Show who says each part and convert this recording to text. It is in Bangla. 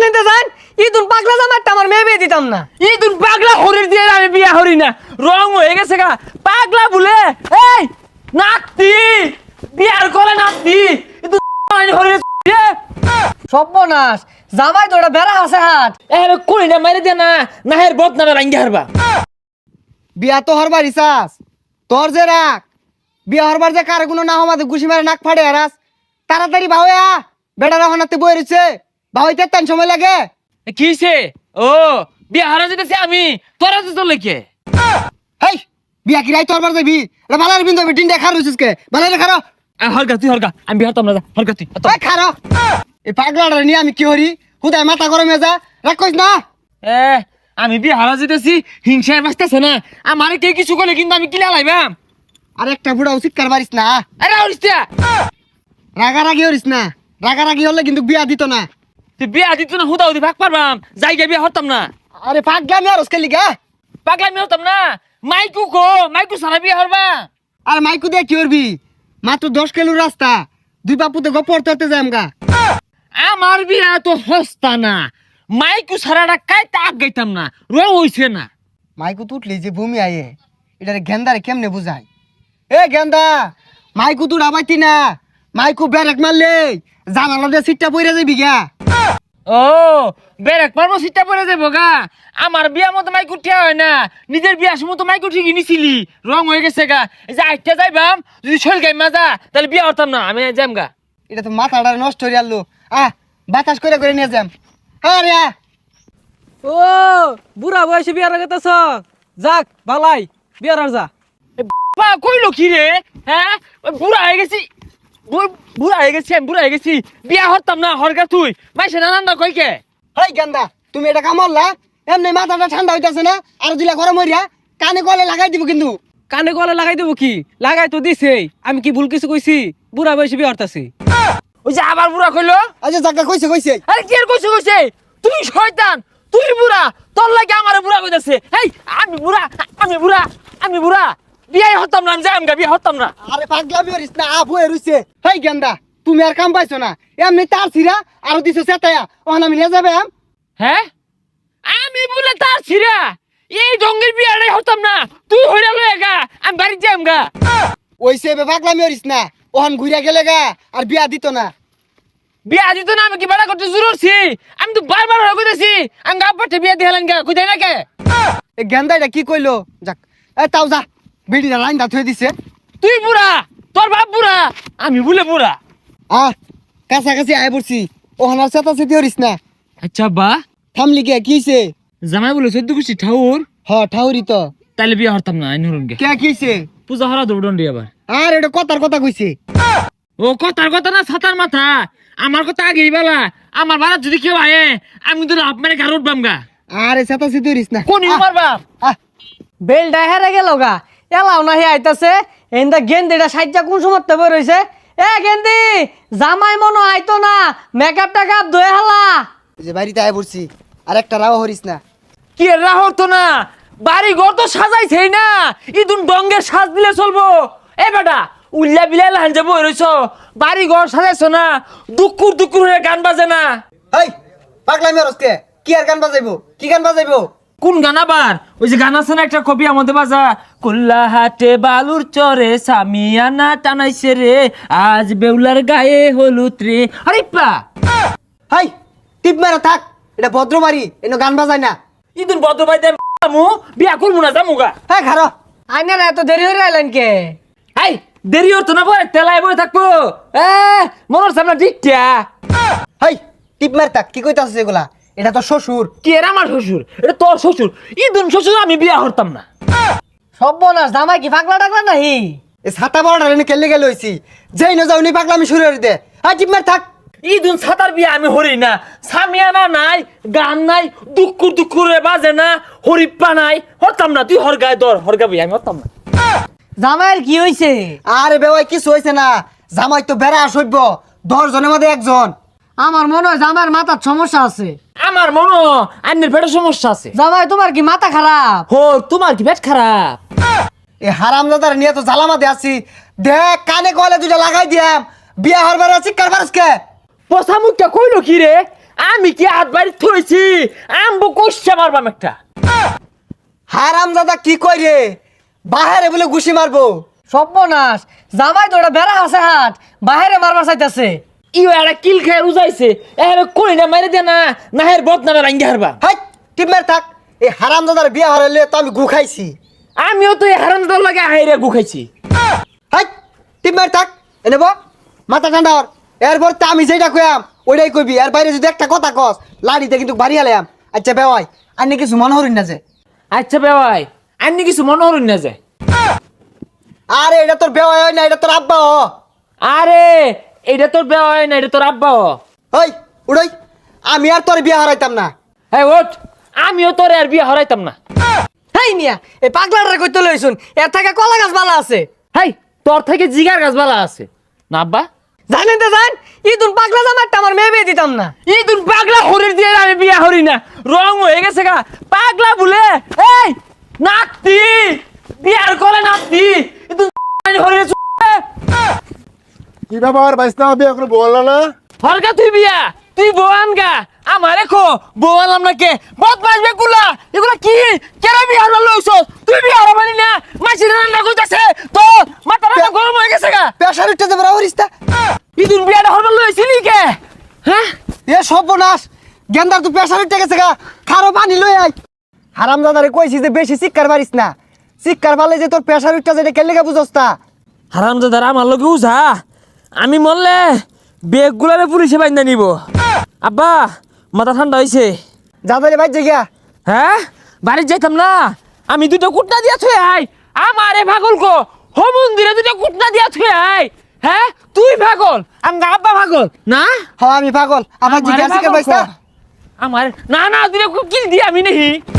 Speaker 1: নিতে যান ইদুন পাগলা জামাইটা আমার মেয়ে বিয়ে দিতাম না।
Speaker 2: ইদুন পাগলা হরির দিয়ে আমি বিয়া হরি না, রং হয়ে গেছে গা পাগলা বলে। এই নাতি বিয়ার করে নাতি ইদুন হরির
Speaker 1: সর্বনাশ, জামাই তো ওটা বেড়া আছে হাত।
Speaker 2: এর কোনি না মাইরে দে না, নাহের বদনামে রাঙ্গি হারবা।
Speaker 3: বিয়া তো হরবার ইসাস তোর যে রাখ, বিয়া হরবার যে কার কোনো না হমাতে ঘুষি মারে নাক ফাড়ে হারাস। তাড়াতাড়ি ভাওয়া বেটারা হনাতে বই রয়েছে, ভাওয়াইতে তেন সময় লাগে।
Speaker 2: কিছে ও বিয়া হারা যেতেছে আমি, তোরা তো চলে কে?
Speaker 3: হেই বিয়া কি রাই তোরবার যাবি? এটা বালার বিন্দু হবে ডিন্ডা খার রয়েছিস কে? বালারে খারো।
Speaker 2: হরগা তুই হরগা, আমি বিয়া হতাম না, হরগা তুই।
Speaker 3: এই খারো। এই পাগলাটা নিয়ে আমি কি হরি? হুদায় মাথা গরমে যা, রাখ কইস না।
Speaker 2: এ আমি বিয়া হারা যেতেছি, হিংসায় বাঁচতেছে না আমারে কে কিছু করলে কিন্তু আমি কিলা লাইবাম।
Speaker 3: আর একটা বুড়া উচিত কার পারিস না।
Speaker 2: আরে হরিস্তা
Speaker 3: রাগারাগি হরিস না, রাগারাগি হলে কিন্তু বিয়া দিত না।
Speaker 2: তুই বিয়া দিত না, হুদা হুদি ভাগ পারবাম, জায়গা বিয়া হতাম না।
Speaker 3: আরে পাগলামি আর ওসকে লিগা।
Speaker 2: পাগলামি হতাম না, মাইকু কো মাইকু সারা বিয়া হরবা।
Speaker 3: আর মাইকু দিয়ে কি করবি? মাত্র 10 কিলোর রাস্তা, দুই বাপুতে গপর তরতে যাই আমগা।
Speaker 2: আমার বিয়া তো হস্তা না, মাইকু সারাটা কাইতে আগ গাইতাম না, রং হইছে না।
Speaker 3: মাইকু তুটলি যে ভূমি আয়ে এটারে গেন্দারে কেমনে বুঝাই? এ গেন্দা, মাইকু তুই আবাইতি না, মাইকু ব্যারেক মারলে জানালা দিয়ে সিটটা পইরা যাবি গা।
Speaker 2: ও বেরেক পারবো সিটটা পরে যাবো গা। আমার বিয়া মতো মাইকু ঠিয়া হয় না, নিজের বিয়ার সময় তো মাইকু ঠিকই নিছিলি, রং হয়ে গেছে গা। এই যে আইটা যাইবাম, যদি শরীর গাই মাজা তাহলে বিয়া হতাম না, আমি যাম গা।
Speaker 3: এটা তো মাথাটা নষ্ট হয়ে আলো। বাতাস করে নিয়ে যাম। আরে
Speaker 1: ও বুড়া বয়সে বিয়ার আগেতেছ, যাক বালাই বিয়ার আর যা।
Speaker 2: বা কইলো কি রে? হ্যাঁ ওই বুড়া হয়ে গেছি, বুড়া হয়ে গেছি, আমি বুড়া হয়ে গেছি, বিয়া হতাম না, হরগা তুই মাইসে নানান না কইকে।
Speaker 3: হেই গেন্দা, তুমি এটা কামড়লা এমনি মাথাটা ঠান্ডা হইতাছে না? আর দিলা গরম হইরা কানে গলে লাগাই দিব কিন্তু।
Speaker 1: কানে গলে লাগাই দেবো কি? লাগাই তো দিছে, আমি কি ভুল কিছু কইছি? বুড়া বয়সে বিয়ে হরতাছি।
Speaker 2: ওই যে আবার বুড়া কইলো।
Speaker 3: আচ্ছা জায়গা কইছে।
Speaker 2: আরে কি আর কইছে কইছে, তুই শয়তান, তুই বুড়া, তোর লাগে আমার বুড়া কইতাছে। এই আমি বুড়া, আমি বুড়া, আমি বুড়া, বিয়াই হতাম না, আমি যাইম গা, বিয়া হতাম না।
Speaker 3: আরে পাগলামি হরিস না, আবু রইছে। হেই গেন্দা, তুমি আর কাম পাইছো না, এমনি তার ছিড়া আর দিছো সেটায়া ওখান আমি নিয়ে যাবে।
Speaker 2: হ্যাঁ আমি বলে তার ছিড়া এই ডঙ্গের বিয়াটাই হতাম না, তুই হইরা লয়ে গা, আমি বাড়ি যাইম গা।
Speaker 3: ওইসে পাগলামি হরিস না, ওখান ঘুরিয়া গেলে গা আর বিয়া দিত না।
Speaker 2: বিয়া দিত না, আমি কি বাড়া করতে জুরছি? আমি তো বারবার হয়ে কইতাছি আমি গা পাঠে বিয়া দিহালেন গা, কইতাই না কে?
Speaker 3: এই গেন্দা এটা কি কইলো? যাক এ তাও যা, বিড়িটা লাইন দা থুয়ে দিছে।
Speaker 2: তুই বুড়া, তোর বাপ বুড়া, আমি বলে বুড়া।
Speaker 3: কাছাকাছি আয় পড়ছি, ওখান আর চেতা চেতি হরিস না।
Speaker 2: আচ্ছা বা
Speaker 3: থামলি কে কিছে?
Speaker 2: জামাই বলে 14 কুচি ঠাউর,
Speaker 3: ঠাউরি তো।
Speaker 2: তাইলে বিয়া হতাম না, আইন হরুন গে।
Speaker 3: কে কিছে?
Speaker 2: পূজা হরা দৌড়ন্ডি আবার।
Speaker 3: আর এটা কথার কথা কইছে।
Speaker 2: ও কথার কথা না ছাতার মাথা, আমার কথা আগেই বলা। আমার বাড়া যদি কেউ আয়ে আমি তো লাভ মানে গাড় উঠবাম গা।
Speaker 3: আরে চেতা চেতি হরিস না।
Speaker 2: কোন আমার বাপ
Speaker 1: বেলটা হেরে গেল গা, এলাও না হে আইতাছে। এন্দা গেন্দিটা সাইজা কোন সময় বই রইছে? এ গেন্দি, জামাই মনো আইতো না, মেকআপ টেকআপ ধুয়ে হালা।
Speaker 3: যে বাড়িতে আয় পড়ছি, আর একটা রাও হরিস না।
Speaker 2: কি রাহর তো না, বাড়ি ঘর তো সাজাইছেই না, ইদুন ডঙ্গের সাজ দিলে চলবো? এ বেটা উল্লা বিলাই লাহান যাবো রইছ, বাড়ি ঘর সাজাইছো না, দুকুর দুকুর হয়ে গান বাজে না।
Speaker 3: হেই পাগলামি হরস কে? কি আর গান বাজাইবো? কি গান বাজাইবো?
Speaker 2: কোন গান আবার? ওই যে গান আছে না একটা, কবি আমাদের বাজা, কুল্লা হাটে বালুর চরে সামিয়ানা টানাইছে রে, আজ বেউলার গায়ে হলুদ রে। আরে পা
Speaker 3: হাই টিপ মারা থাক, এটা ভদ্র বাড়ি, এনে গান বাজায় না।
Speaker 2: ইদুন বদ্র ভাই মু বিয়া করবো না, জামুগা।
Speaker 3: হ্যাঁ খারো।
Speaker 1: আইনার এত দেরি হয়ে আইলেন কে?
Speaker 2: হাই দেরি হতো না, বয় তেলায় বয়ে থাকবো। মনের সামনে ডিকটা।
Speaker 3: হাই টিপ মার থাক, কি কইতাছিস এগুলা? এটা তো শ্বশুর।
Speaker 2: কি এর আমার শ্বশুর? এটা তোর শ্বশুর। ইদুন শ্বশুর, আমি বিয়া হতাম না।
Speaker 1: সর্বনাশ, জামাই কি পাগলা টাগলা নাহি?
Speaker 3: এই ছাতা বড়টা এনে কেলে গেলে হইছি, যেই না যাও নি পাগলামি শুরু করে দে। হাই টিপ মার থাক।
Speaker 2: ইদুন ছাতার বিয়া আমি হরি না, সামিয়ানা নাই, গান নাই, দুকুর দুকুরে বাজে না, হরিপ্পা নাই, হতাম না। তুই হরগায় দর, হরগা বিয়া আমি হতাম না।
Speaker 1: জামাইয়ের কি হইছে?
Speaker 3: আরে বেওয়াই কিছু হইছে না, জামাই তো বেড়া সইব, 10 জনের মধ্যে একজন।
Speaker 1: আমার মনে হয় জামাইয়ের মাথার সমস্যা আছে।
Speaker 2: আমার মনো আন্নের পেটের সমস্যা আছে।
Speaker 1: জামাই তোমার কি মাথা খারাপ?
Speaker 2: হো তোমার কি পেট খারাপ?
Speaker 3: এই হারামজাদার নিয়ে তো জ্বালামাতে আছি, দেখ কানে কলে দুইটা লাগাই দিয়াম, বিয়া হরবার আছি কারবার কে?
Speaker 2: পচা মুখটা কইলো কি রে? আমি কি হাত বাড়ি থইছি আমবো কইছে মারবাম একটা
Speaker 3: হারাম দাদা কি কই রে বাহারে বলে ঘুষি মারবো
Speaker 1: সর্বনাশ জামাই তো ওটা বেড়া আছে হাত বাহিরে মারবার চাইতেছে
Speaker 2: ইও একটা কিল খায় উজাইছে এর কই না মারি দে না না হের বদনামে রাঙ্গি হারবা
Speaker 3: হাই টিমের থাক এই হারাম দাদার বিয়া হারাইলে তো আমি গু খাইছি
Speaker 2: আমিও তো এই হারামদার লাগে হাইরে গুখাইছি
Speaker 3: হাই টিমের থাক এনে বো মাথা ঠান্ডা হর এরপর তো আমি যেটা কইয়াম ওইটাই কইবি এর বাইরে যদি একটা কথা কস লাড়িতে কিন্তু বাড়ি আলাম আচ্ছা বেওয়াই আন্নি কিছু মনে হরিন না যে
Speaker 2: আচ্ছা বেওয়াই আন্নি কিছু মনে হরুন না যায়
Speaker 3: আরে এটা তোর বেওয়াই হয় না এটা তোর আব্বা হ
Speaker 2: আরে এইটা তোর বেওয়াই না এটা তোর আব্বা
Speaker 3: ওই উড়াই আমি আর তোর বিয়া হারাইতাম না
Speaker 2: হ্যাঁ ওঠ আমিও তোর আর বিয়ে হরাইতাম না
Speaker 1: হেই মিয়া এই পাগলাটা কইতে লইছুন এর থেকে কলা গাছ ভালো আছে
Speaker 2: হাই তোর থেকে জিগার গাছ বালা আছে না আব্বা
Speaker 1: জানেন তো জান ইদুন পাগলা জামাইটা আমার মেয়ে বিয়ে দিতাম না
Speaker 2: এই তুই পাগলা হরির দিয়ে আমি বিয়া হরি না রং হয়ে গেছে গা পাগলা বলে এই নাতি বিয়ার করে নাতি তুই হরির
Speaker 4: কি ব্যাপার বাইসনা বিয়ে করে বললো না
Speaker 2: হরকা তুই বিয়া তুই বোয়ান গা আমার রেখো বোয়ালাম না কে বদমাস বেগুলা এগুলা কি কেন বিয়ার লইছ তুই বিয়ার মানি না মাছি রান্না কইতাছে তো মাথা রান্না গরম হয়ে গেছে গা
Speaker 3: পেশার উঠতে যাবে হরিস্তা
Speaker 2: ইদুন বিয়াটা হরবার লইছিলি কে হ্যাঁ
Speaker 3: এ সর্বনাশ গেন্দার তুই পেশার উঠতে গেছে গা খারো পানি লই আই হারাম দাদারে কইছি যে বেশি শিক্ষার পারিস না শিক্ষার পালে যে তোর পেশার উঠতে যেটা কেলে গা বুঝস তা
Speaker 2: হারামজাদার আমার লগে উঝা আমি মরলে বেগগুলারে পুলিশে বাইন্দা নিব আব্বা মাথা ঠান্ডা হইছে
Speaker 3: যাদারে বাইর গিয়া
Speaker 2: হ্যাঁ বাড়ি যাইতাম না আমি দুটো কুটনা দিয়া থুয়ে আই আমারে পাগল কো হো মন্দিরে দুটো কুটনা দিয়া থুয়ে আই হ্যাঁ তুই পাগল আমগা আব্বা পাগল না
Speaker 3: হ আমি পাগল আমার
Speaker 2: আমারে
Speaker 3: জিজ্ঞাসা
Speaker 2: পাগল
Speaker 3: বাইসা
Speaker 2: কো। আমার না না দুটো কিল দি আমি নেহি